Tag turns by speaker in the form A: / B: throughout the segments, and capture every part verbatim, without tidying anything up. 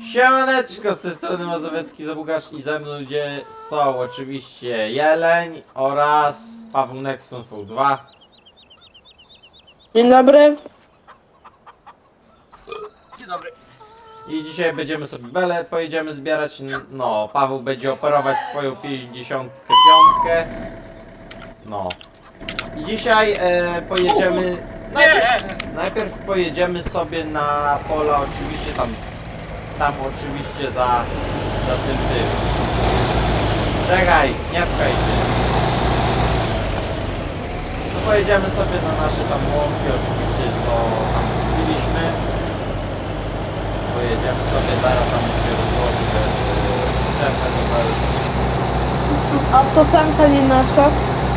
A: Siemaneczko, z tej strony Mazowiecki Zabugasz i ze mną ludzie są oczywiście Jeleń oraz Paweł Nexon V dwa.
B: Dzień dobry.
C: Dzień dobry.
A: I dzisiaj będziemy sobie belę, pojedziemy zbierać, no, Paweł będzie operować swoją pięćdziesiątkę piątkę. No. I dzisiaj e, pojedziemy, najpierw, najpierw pojedziemy sobie na pola, oczywiście tam, tam oczywiście za, za tym tym. Czekaj, nie pchaj się. No pojedziemy sobie na nasze tam łąki, oczywiście co tam kupiliśmy. Pojedziemy sobie, zaraz tam się rozłoży te przyczepę do belki.
B: A to sanka nie nasza.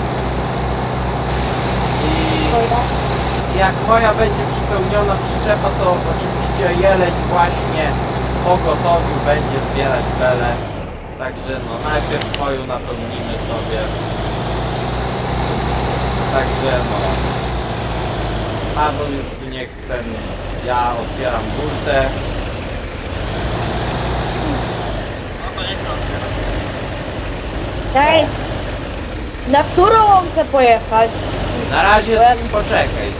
A: I jak moja będzie przypełniona przyczepa, to oczywiście Jeleń właśnie w pogotowiu będzie zbierać belę. Także no najpierw moją napełnimy sobie. Także no. Paweł już tu niech ten, ja otwieram burtę.
C: No to nie chcę otwierać.
B: Ej, na którą chcę pojechać?
A: Na razie z, poczekaj.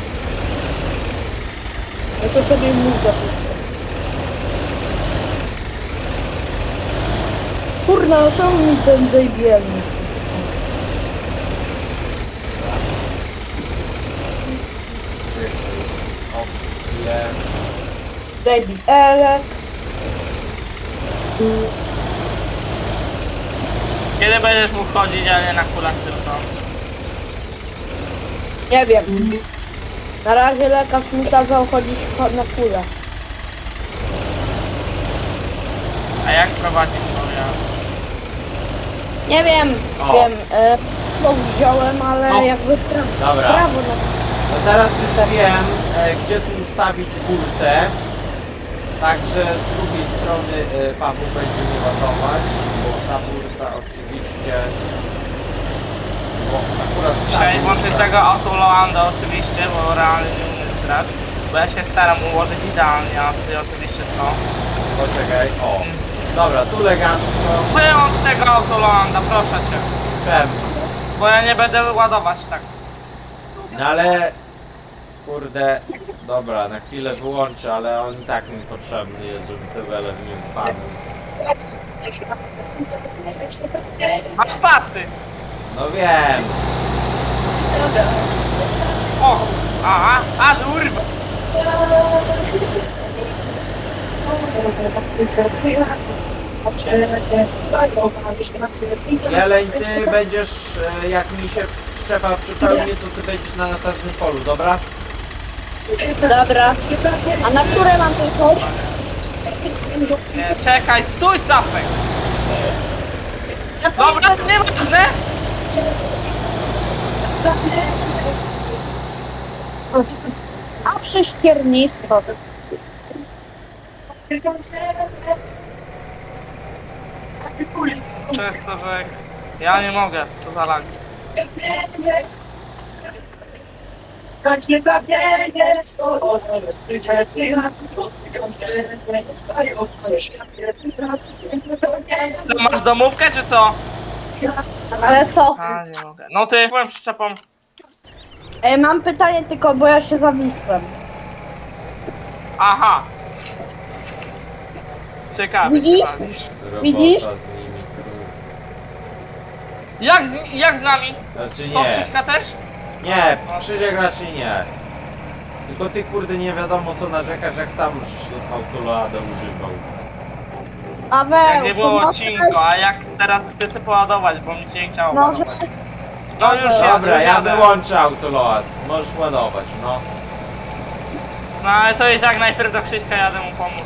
B: Ja to sobie mózg zapiszę. Kurna, czemu mi ten zajbielny?
A: Opcje.
B: Baby Elek.
C: Kiedy będziesz mógł chodzić, a nie na kulach tylko?
B: Nie wiem. Na razie lekarz mi kazał chodzić na kulę.
C: A jak prowadzisz pojazd?
B: Nie wiem,
A: O.
B: wiem. E, to wziąłem, ale
C: No.
B: jakby prawo.
A: Dobra.
B: Prawo na...
A: No teraz już wiem, e, gdzie tu ustawić burtę. Także z drugiej strony e, Paweł będzie nie ładować, bo ta burta oczywiście... Bo akurat ta
C: Trzeba
A: burta-
C: włączyć tego autolanda oczywiście, bo realnie nie umiesz grać. Bo ja się staram ułożyć idealnie, a ty oczywiście co?
A: Poczekaj, o.
C: Więc
A: Dobra, tu elegancko.
C: wyłącz tego autolanda, proszę cię.
A: Czemu?
C: Bo ja nie będę ładować tak.
A: No ale... Kurde... Dobra, na chwilę wyłączę, ale on i tak mi potrzebny jest, żeby te wele w nim padły.
C: Masz pasy!
A: No wiem.
C: O! A, a, urwa!
A: Jeleń, ty będziesz, e, jak mi się przyczepa przypełni, to ty będziesz na następnym polu, dobra?
B: Dobra. A na które mam tylko?
C: Nie, czekaj, stój zapek! Dobra, nieważne!
B: A prześciernictwo.
C: Przez to, że ja nie mogę, co za lag. Ty masz domówkę, czy co?
B: Ale co?
C: A, nie mogę. No ty, byłem przyczepą.
B: E, mam pytanie tylko, bo ja się zawisłem.
C: Aha. Ciekawe.
B: Widzisz?
C: ciekawe.
A: Robota
B: Widzisz?
A: z nimi, kurde.
C: Jak z, jak z nami?
A: Znaczy
C: Co,
A: nie.
C: Krzyśka też?
A: Nie, Krzysiek raczej nie. Tylko ty kurde nie wiadomo co narzekasz, jak sam autolada używał.
B: Paweł,
C: Jak nie było
B: to
C: odcinku, a jak teraz chcę sobie poładować, bo mi się nie chciało
B: Może...
C: ładować. No już jadę,
A: Dobra,
C: już
A: ja
C: jadę.
A: wyłączę autoload. Możesz ładować, no.
C: No ale to i tak najpierw do Krzyśka jadę mu pomóc.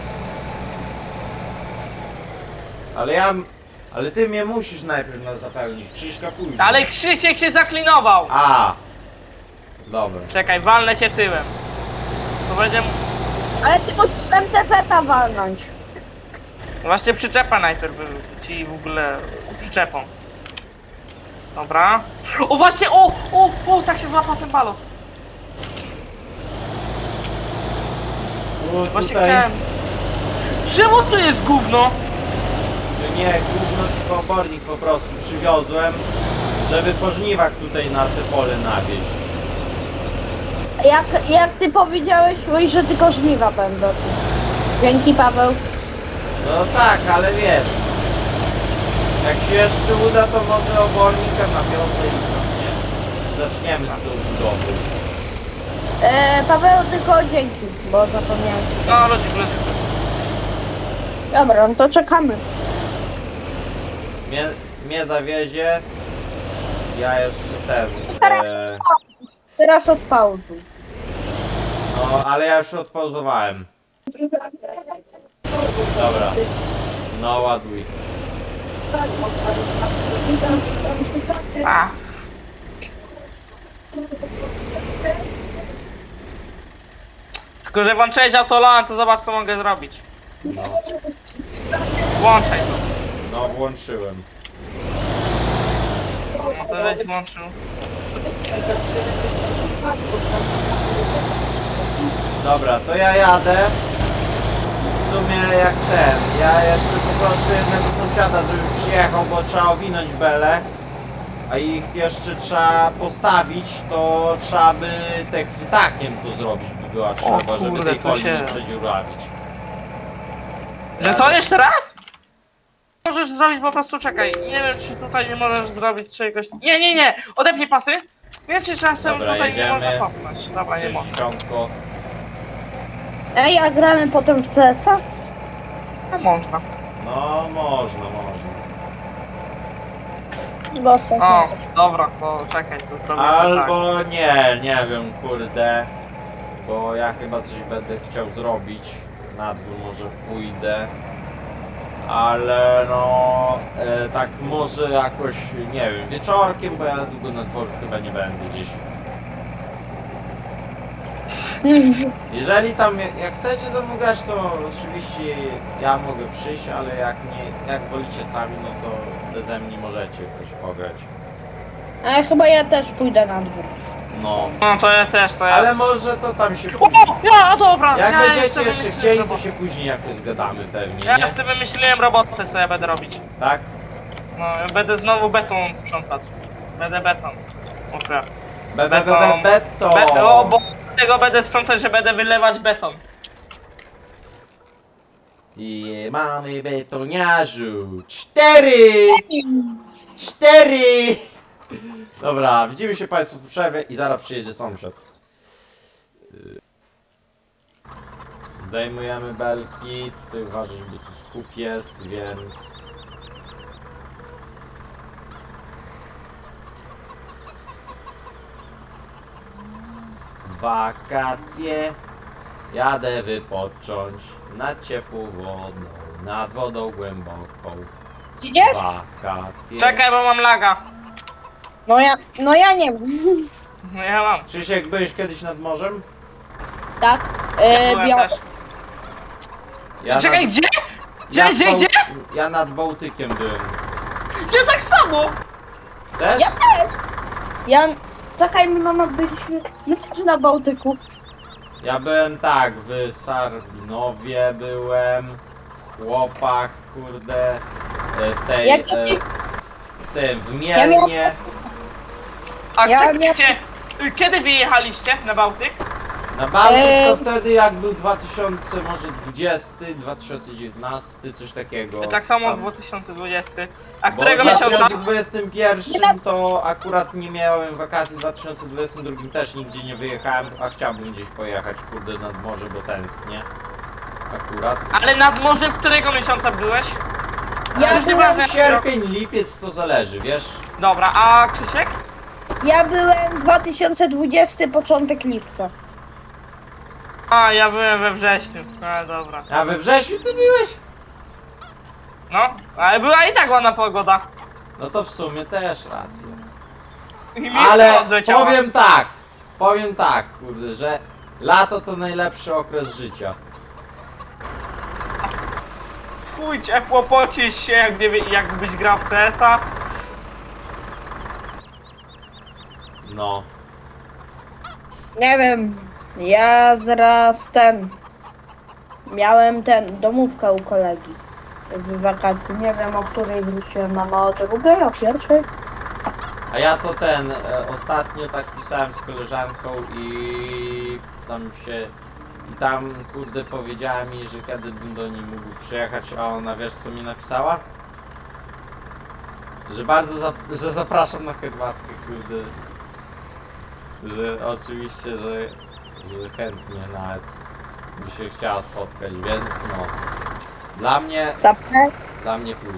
A: Ale ja... Ale ty mnie musisz najpierw no, zapełnić, Krzyśka później.
C: Ale Krzysiek się zaklinował!
A: A. Dobra.
C: Czekaj, walnę cię tyłem. To będzie...
B: Ale ty musisz M T Z-a walnąć.
C: Właśnie przyczepa najpierw by ci w ogóle przyczepą. Dobra. O właśnie, o, o, o, tak się złapał ten balot.
A: O,
C: Właśnie
A: tutaj-
C: chciałem. Czemu tu jest gówno?
A: Że nie gówno, tylko obornik po prostu przywiozłem, żeby po żniwach tutaj na te pole nawieźć.
B: Jak, jak ty powiedziałeś, mój, że tylko żniwa będą. Dzięki, Paweł.
A: No tak, ale wiesz, jak się jeszcze uda, to może obornika nawiozę i no nie. Zaczniemy z tą budową.
B: E, Paweł, tylko dzięki, bo zapomniałem.
C: No, ludzik, ludzik.
B: Dobra, no to czekamy.
A: Mnie, mnie zawiezie, ja jeszcze ten...
B: Teraz,
A: E,
B: teraz odpauzuj.
A: no, ale ja już odpauzowałem. Dobra. No, ładuj.
C: A. Tylko, że włączyłeś autolan, to zobacz co mogę zrobić.
A: No,
C: Włączaj to.
A: no włączyłem.
C: No to żeś włączył.
A: Dobra, to ja jadę. I w sumie jak ten, ja jeszcze poproszę jednego sąsiada, żeby przyjechał, bo trzeba owinąć belę. A ich jeszcze trzeba postawić, to trzeba by te chwytakiem to zrobić by była trzeba, żeby
C: kurde,
A: tej
C: to
A: folii
C: się-
A: nie przedziurawić.
C: Że co, jeszcze raz? Możesz zrobić po prostu, czekaj, nie wiem czy tutaj nie możesz zrobić czegoś... Nie, nie, nie, odepnij pasy. Nie wiem czy czasem
A: Dobra,
C: tutaj
A: jedziemy.
C: nie można popchnąć. Dobra, nie można.
A: Sześćdziesiątko.
B: Ej, a gramy potem w C S a?
C: No można.
A: No można, można.
B: Bo sobie.
C: O, dobra, to czekaj, to zrobię tak.
A: Albo nie, nie wiem, kurde. Bo ja chyba coś będę chciał zrobić. Na dwór może pójdę. Ale no, e, tak może jakoś, nie wiem, wieczorkiem, bo ja długo na dworzu chyba nie będę gdzieś.
B: Mm,
A: Jeżeli tam, jak jak chcecie ze mną grać, to oczywiście ja mogę przyjść, ale jak nie, jak wolicie sami, no to beze mnie możecie jakoś pograć.
B: A chyba ja też pójdę na dwór.
A: No,
C: No to ja też, to ja...
A: ale może to tam się
C: O,
A: później.
C: ja, dobra,
A: Jak
C: ja
A: będziecie
C: jeszcze
A: jeszcze
C: wymyśliłem
A: chcieli, to
C: robotę.
A: się później jakoś zgadamy pewnie,
C: Ja
A: nie?
C: sobie wymyśliłem robotę, co ja będę robić.
A: Tak?
C: No, ja będę znowu beton sprzątać. Będę beton. Okej.
A: Be, be, be, be, beto!
C: Be o, bo tego będę sprzątać, że będę wylewać beton.
A: I mamy betoniarzu. Cztery! Cztery! Dobra, widzimy się Państwu po przerwie i zaraz przyjedzie sąsiad. Yy. Zdejmujemy belki. Tutaj uważaj, żeby tu skup jest, więc... Wakacje. Jadę wypocząć nad ciepłą wodą, nad wodą głęboką.
B: Idziesz?
A: Wakacje.
C: Czekaj, bo mam laga.
B: No ja, no ja nie wiem.
C: No ja mam.
A: Krzysiek, byłeś kiedyś nad morzem?
B: Tak.
C: Ja
B: E,
C: byłem
B: bia-
C: też.
A: Ja
C: Czekaj,
A: nad,
C: gdzie? Gdzie,
A: ja
C: gdzie,
A: Bał-
C: gdzie?
A: Ja nad Bałtykiem byłem.
C: Ja tak samo!
A: Też?
B: Ja też. Ja... Czekaj, my mama byliśmy... My też na Bałtyku.
A: Ja byłem tak, w Sarbinowie byłem, w Chłopach, kurde, e, w tej,
B: Jak
A: e,
B: ci-
A: w tym, w
B: Ja miałem-
A: Mielnie.
C: A
B: Ja
C: czekajcie, y, kiedy wyjechaliście na Bałtyk?
A: Na Bałtyk
B: Eee,
A: to wtedy jak był dwa tysiące może dwudziesty, dwa tysiące dziewiętnasty, coś takiego.
C: Tak samo
A: Tam.
C: dwa tysiące dwudziesty. A
A: Bo
C: którego
A: w
C: miesiąca?
A: dwa tysiące dwudziestym pierwszym to akurat nie miałem wakacji, w dwa tysiące dwudziestym drugim też nigdzie nie wyjechałem, a chciałbym gdzieś pojechać, kurde, nad morze, bo tęsknię. Akurat.
C: Ale nad morzem którego miesiąca byłeś?
B: Ja
C: już nie
B: byłem-
C: wiem,
A: Sierpień, lipiec to zależy, wiesz?
C: Dobra, a Krzysiek?
B: Ja byłem dwa tysiące dwudziesty, początek lipca.
C: A, ja byłem we wrześniu. A, dobra.
A: A we wrześniu ty byłeś?
C: No, ale była i tak ładna pogoda.
A: No to w sumie też racja.
C: I miska
A: Ale
C: odleciała.
A: powiem tak, powiem tak, kurde, że lato to najlepszy okres życia.
C: Fuj, ciepło, pocisz się, jak nie, wie- jakbyś grał w C S a.
A: No.
B: Nie wiem. Ja zaraz ten... miałem ten, domówkę u kolegi w wakacji. Nie wiem, o której wróciłem, mama o drugiej, o pierwszej.
A: A ja to ten, e, ostatnio tak pisałem z koleżanką i tam się, i tam kurde powiedziała mi, że kiedy bym do niej mógł przyjechać, a ona wiesz co mi napisała? Że bardzo, zap że zapraszam na herbatkę, kurde. Że oczywiście, że, że chętnie nawet by się chciała spotkać, więc no. Dla mnie,
B: Zapek,
A: dla mnie plus.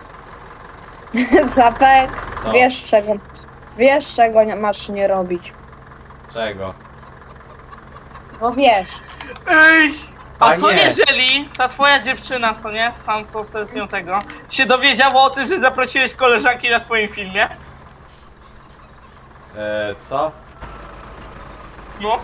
B: zapek,
A: Co?
B: wiesz czego, wiesz czego nie masz nie robić.
A: Czego?
B: No wiesz.
C: Ej! A
A: A
C: co
A: nie.
C: jeżeli ta twoja dziewczyna, co nie? Tam co se z nią tego, się dowiedziała o tym, że zaprosiłeś koleżanki na twoim filmie?
A: E, co?
C: No.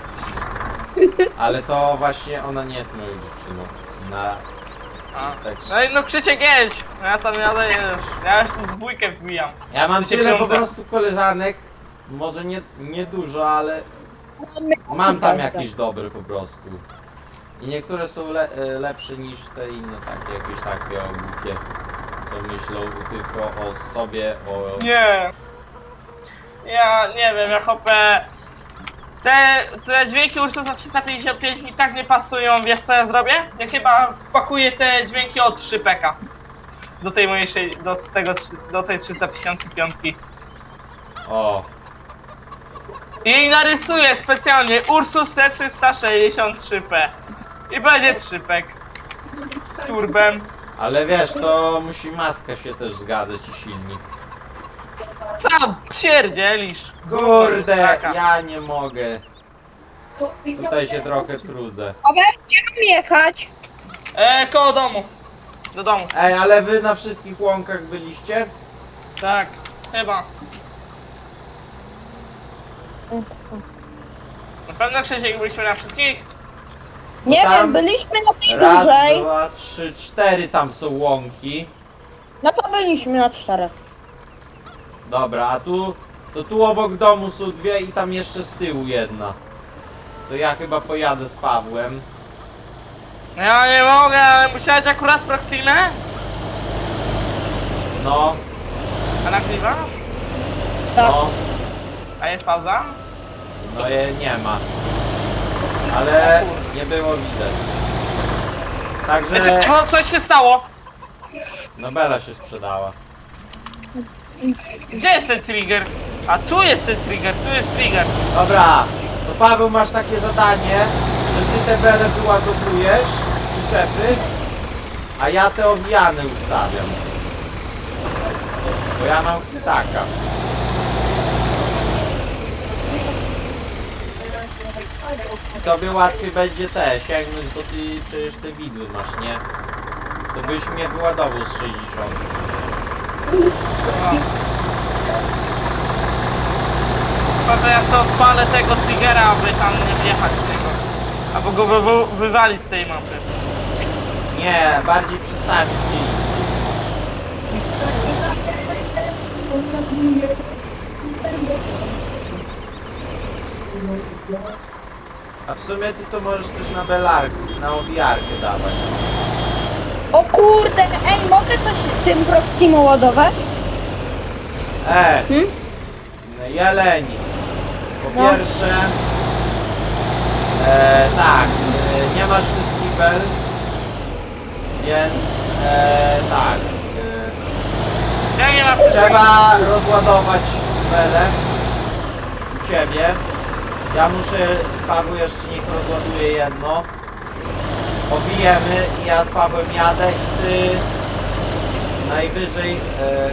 A: Ale to właśnie ona nie jest moją dziewczyną. Na...
C: A.
A: Tak.
C: No i no Krzysiek jedź. Ja tam jadę już. Ja już tu dwójkę wbijam.
A: Ja mam
C: Krzysiek
A: tyle po
C: piąte.
A: prostu koleżanek, może nie, nie dużo, ale mam tam jakieś dobre po prostu. I niektóre są le, e, lepsze niż te inne takie, jakieś takie o głupie, co myślą tylko o sobie, o...
C: Nie. Ja nie wiem, ja hopę. Te, te dźwięki Ursusa trzysta pięćdziesiąt pięć mi tak nie pasują, wiesz co ja zrobię? Ja chyba wpakuję te dźwięki od trzy peka. Do tej mojej, sze- do tego, do tej trzysta pięćdziesiąt pięć.
A: O,
C: I narysuję specjalnie Ursus C trzysta sześćdziesiąt trzy P. I będzie trzy pek. Z turbem.
A: ale wiesz, to musi maska się też zgadzać i silnik.
C: Co pierdzielisz?
A: Kurde,
C: Sraka.
A: ja nie mogę. Tutaj się trochę trudzę.
B: A gdzie mam jechać?
C: E, koło domu. Do domu.
A: Ej, ale wy na wszystkich łąkach byliście?
C: Tak, chyba. Na pewno Krzysiek byliśmy na wszystkich?
B: Nie
A: tam
B: wiem, byliśmy na tej
A: Raz,
B: dużej.
A: dwa, trzy, cztery tam są łąki.
B: No to byliśmy na czterech.
A: Dobra, a tu, to tu obok domu są dwie i tam jeszcze z tyłu jedna. To ja chyba pojadę z Pawłem.
C: Ja nie mogę, ale musiałeś akurat Proximę?
A: No,
C: A nagrywasz?
B: Tak.
A: no,
C: A jest pauza?
A: no je nie ma. Ale nie było widać. Także,
C: Znaczy, no coś się stało.
A: no Bela się sprzedała.
C: Gdzie jest ten trigger? A tu jest ten trigger, tu jest trigger.
A: Dobra, to Paweł masz takie zadanie, że ty te bele wyładowujesz z przyczepy, a ja te owijane ustawiam. Bo ja mam chwytaka. I tobie łatwiej będzie te, sięgnąć, bo ty przecież te widły masz, nie? To byś mnie wyładował z sześćdziesiąt.
C: Co to ja sobie odpalę tego triggera, aby tam nie wjechać w tego. Albo go wy wy wywalić z tej mapy.
A: Nie, bardziej przystawić gdzie indziej. A w sumie ty to możesz też na belarkę, na owijarkę dawać.
B: O kurde, ej, mogę coś tym Proximo ładować?
A: E,
B: Hmm?
A: jeleni. Po
B: No.
A: pierwsze, e, tak, e, nie masz wszystkich bel, więc e, tak, e,
C: Ja nie ma wszystkiego.
A: trzeba rozładować belę u ciebie. Ja muszę, Paweł jeszcze niech rozładuje jedno. Owijemy i ja z Pawłem jadę i ty najwyżej e,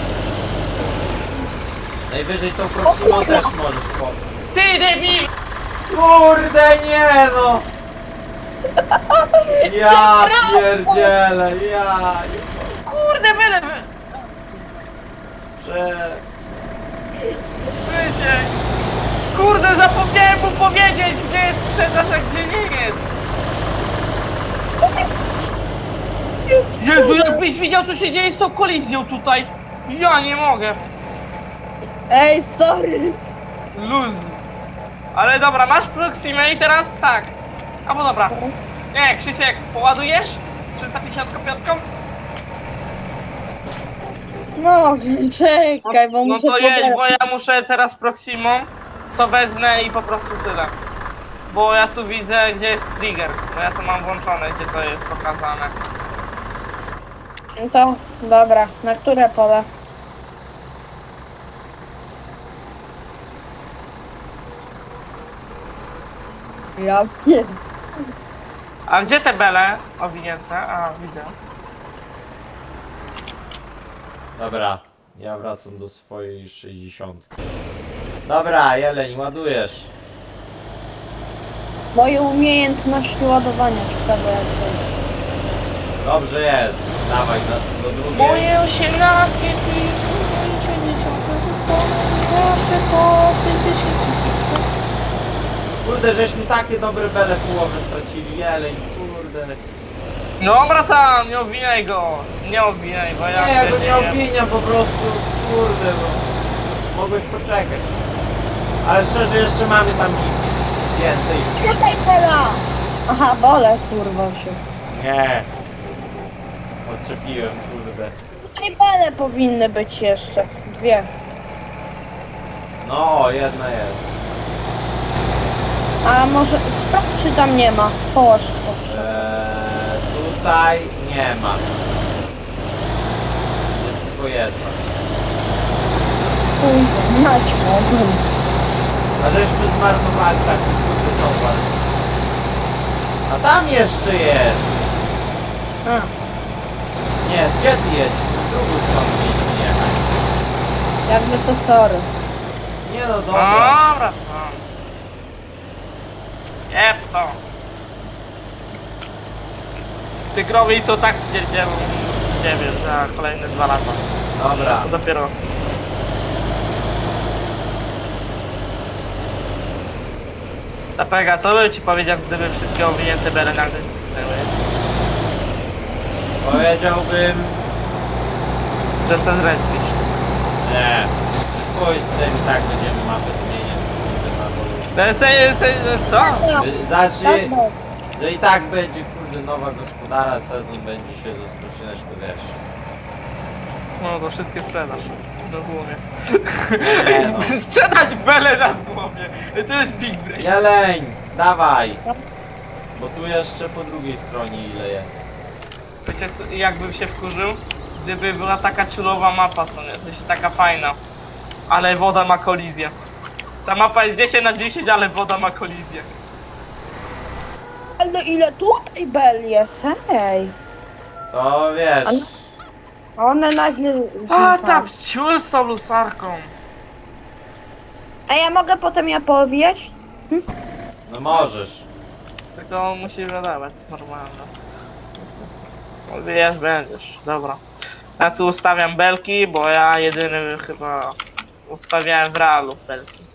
A: najwyżej tą Proximą
B: kurde.
A: też możesz po...
C: Ty debil!
A: Kurde nie no! Ja pierdzielę, ja...
C: Kurde byle wy...
A: Prze...
C: Krzysiek! Kurde, zapomniałem mu powiedzieć, gdzie jest sprzedaż, a gdzie nie jest. Jezu, jakbyś widział, co się dzieje z tą kolizją tutaj. Ja nie mogę.
B: Ej, sorry.
C: Luz. Ale dobra, masz Proximę i teraz tak. Albo dobra. Nie, Krzysiek, poładujesz? trzysta pięćdziesiąt pięć?
B: No, czekaj, bo
C: No
B: muszę
C: to jedź,
B: pobrać.
C: bo ja muszę teraz Proximą, to wezmę i po prostu tyle. Bo ja tu widzę, gdzie jest trigger, bo ja to mam włączone, gdzie to jest pokazane.
B: No to, dobra, na które pole? Ja wiem.
C: A gdzie te bele owinięte? A, widzę.
A: Dobra, ja wracam do swojej sześćdziesiątki. Dobra, Jeleń, ładujesz.
B: Moje umiejętności ładowania, ciekawe jak to jest.
A: Dobrze jest. Dawaj do, do drugiej.
C: Moje osiemnastki, ty, moje sześćdziesiąte zostaną nasze po pięćdziesiąt.
A: Kurde, żeśmy takie dobre bele połowy stracili. Jeleń, kurde.
C: Dobra tam, nie obwiniaj go. Nie obwiniaj, bo ja
A: Nie, ja go
C: wtedy
A: nie obwiniam po prostu. Kurde, bo mogłeś poczekać. Ale szczerze, jeszcze mamy tam więcej.
B: Tutaj pela! Aha, bolec urwał się.
A: Nie. Odczepiłem, kurde.
B: Tutaj bele powinny być jeszcze. Dwie.
A: No, jedna jest.
B: A może sprawdź, czy tam nie ma. Połóż to.
A: Eee, tutaj nie ma. Jest tylko jedna.
B: Kurde, mać mogłem.
A: A żeśmy zmarnowali taki kurde towar. A tam jeszcze jest.
B: A,
A: Nie, gdzie ty jedziesz? Na drugą stronę mieliśmy jechać.
B: jakby to sorry.
A: Nie no, dobra.
C: Dobra tam. Jep to. Tygrowi to tak spierdzielą, nie wiem, za kolejne dwa lata.
A: Dobra.
C: To dopiero. Zapega, co bym ci powiedział, gdyby wszystkie owinięte bele nagle zniknęły?
A: Powiedziałbym...
C: Że se zrespisz.
A: Nie. Pójdź z tym i tak będziemy mapę zmieniać. kurde, na polu.
C: No, se, se, co?
A: Y, Znaczy,
B: Tak,
A: że i tak będzie kurde nowa gospodara, sezon będzie się rozpoczynać, to wiesz.
C: No to wszystkie sprzedasz. Na złomie.
A: Nie no.
C: Sprzedać bele na złomie! To jest big brain.
A: Jeleń, dawaj! Bo tu jeszcze po drugiej stronie ile jest.
C: Wiecie co, jakbym się wkurzył? Gdyby była taka ciulowa mapa, co nie? W sensie taka fajna. Ale woda ma kolizję. Ta mapa jest dziesięć na dziesięć, ale woda ma kolizję.
B: ale ile tutaj bel jest, hej.
A: To wiesz.
B: Ale- One nagle...
C: A, ta ciul z tą lusarką.
B: A ja mogę potem ja powijać?
A: No możesz.
C: Tylko musi wydawać normalnie. Wiesz, będziesz. Dobra. Ja tu ustawiam belki, bo ja jedyny chyba ustawiałem w realu belki.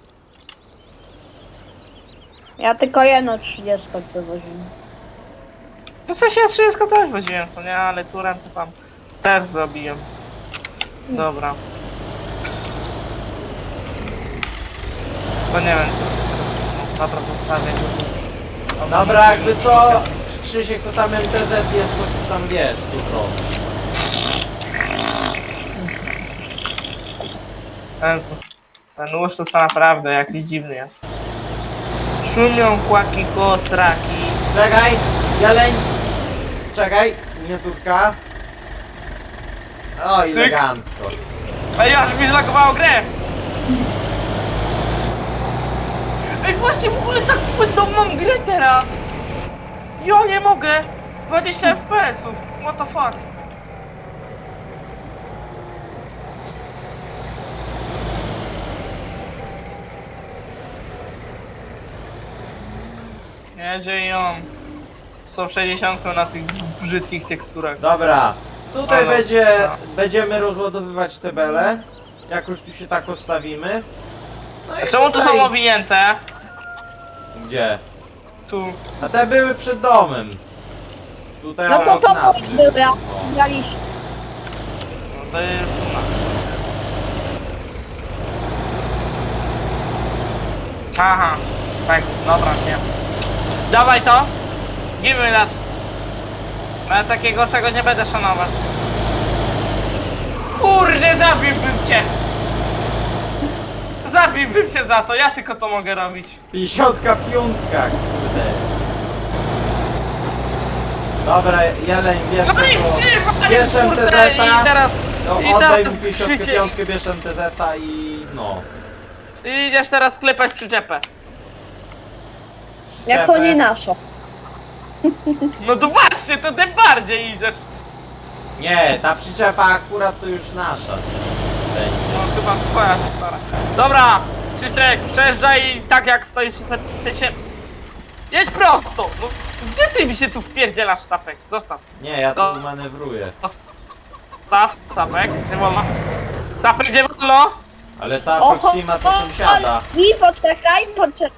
B: Ja tylko jedno trzydziestkę wywoziłem.
C: No w sensie ja trzydzieści też woziłem, co nie? Ale turem to tam też zrobiłem. Dobra. To nie wiem co z no, dobra, zostawię go tu.
A: Dobra, jakby co, Krzysiek, to tam M T Z jest, to tam wiesz co zrobić.
C: Jezu. Ten łuszczus to naprawdę jakiś dziwny jest. Szumią kłaki koło sraki.
A: Czekaj, Jeleń, czekaj, miniaturka. O,
C: Cyk.
A: elegancko.
C: Ej, aż mi zlagowało grę! Ej, właśnie w ogóle tak płynną mam grę teraz! Ja nie mogę! dwadzieścia F P S-ów! What the fuck? Jedzie ją sto sześćdziesiąt na tych brzydkich teksturach.
A: Dobra, tutaj
C: Ale
A: będzie,
C: co?
A: będziemy rozładowywać te bele. Jak już tu się tak ostawimy. No
C: A
A: i
C: czemu tu
A: tutaj-
C: są owinięte?
A: Gdzie?
C: Tu.
A: A te były przed domem. Tutaj
B: No to
A: obok
B: to
A: nas
B: moje
A: były.
B: były, a
A: O.
B: braliście.
C: No to jest... No. Aha, tak, dobra, nie. Dawaj to. Give me that. Ale takiego czego nie będę szanować. Kurde, zabiłbym cię! Zabiłbym cię za to, ja tylko to mogę robić.
A: pięćdziesiątka piątka, kurde. Dobra, Jeleń, bierz
C: No i
A: tego.
C: przywalił,
A: Bierz
C: kurde,
A: M T Z-a.
C: i teraz...
A: No,
C: i
A: oddaj mu
C: teraz
A: pięćdziesiątkę
C: Krzysiek-
A: piątkę, bierz M T Z-a i no.
C: I idziesz teraz klepać przyczepę.
B: Jak to nie
A: Przyczepę.
B: nasze.
C: No to właśnie, to tym bardziej idziesz.
A: Nie, ta przyczepa akurat to już nasza. Będzie.
C: No chyba twoja stara. Dobra, Krzysiek, przejeżdżaj tak jak stoisz w sensie... Jedź prosto! No, gdzie ty mi się tu wpierdzielasz, Sapek? Zostaw.
A: Nie, ja
C: To-
A: tu manewruję.
C: Zostaw, Sapek, nie wolno. Sapek, nie wolno!
A: Ale ta Proxima to sąsiada.
B: I poczekaj, poczekaj.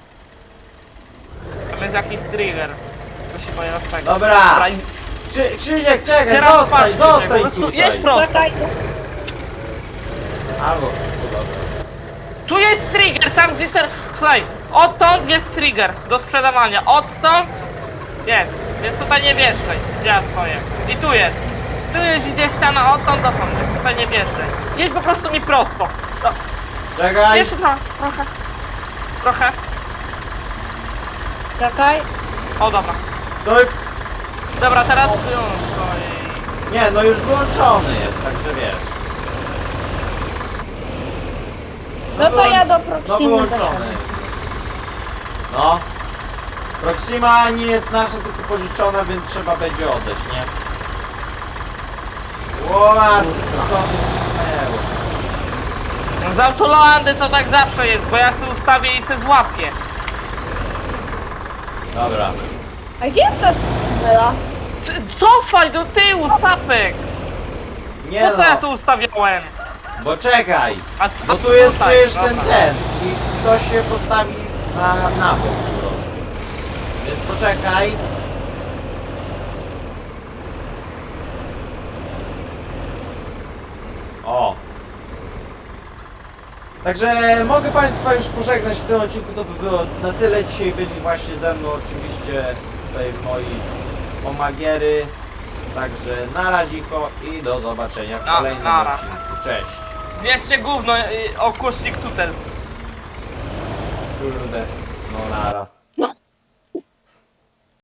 C: Tam jest jakiś trigger. To się boję od tego.
A: Dobra.
C: i-
A: Krzy, Krzysiek, czekaj,
C: Teraz
A: zostań,
C: patrz, Krzysiek, po
A: zostań
C: prostu
A: tutaj.
C: jedź prosto.
B: Czekaj.
A: Albo, no dobra.
C: Tu jest trigger, tam gdzie ten... Słuchaj, odtąd jest trigger do sprzedawania. Odtąd jest. Więc tutaj nie wjeżdżaj, gdzie ja stoję. I tu jest. Tu jest idzie ściana odtąd dotąd, więc tutaj nie wjeżdżaj. Jedź po prostu mi prosto. No,
A: Czekaj.
C: jeszcze trochę, trochę. Trochę.
B: Czekaj.
C: O, dobra.
A: Stój.
C: Dobra, teraz wyłącz to i...
A: Nie, no już wyłączony jest, także wiesz.
B: No to ja do
A: No
B: Proximy
A: wyłączony.
B: zajadę.
A: No. Proxima nie jest nasza, tylko pożyczona, więc trzeba będzie oddać, nie? O matko, co tu stanęło?
C: Z autolandy to tak zawsze jest, bo ja se ustawię i se złapię.
A: Dobra.
B: A gdzie jest ta cybela?
C: C cofaj do tyłu, Sapek!
A: Nie
C: Po co
A: no,
C: ja tu ustawiałem?
A: bo czekaj.
C: A,
A: Bo
C: a
A: tu jest
C: tutaj,
A: przecież
C: dobra.
A: ten ten i ktoś się postawi na, na bok po prostu. Więc poczekaj. O. Także mogę Państwa już pożegnać w tym odcinku, to by było na tyle. Dzisiaj byli właśnie ze mną oczywiście tutaj moi omagiery. Także na razicho i do zobaczenia w
C: Na-
A: kolejnym
C: nara.
A: odcinku. Cześć.
C: Zjeszcie gówno y, o kusznik tutel.
A: Kurde, no nara.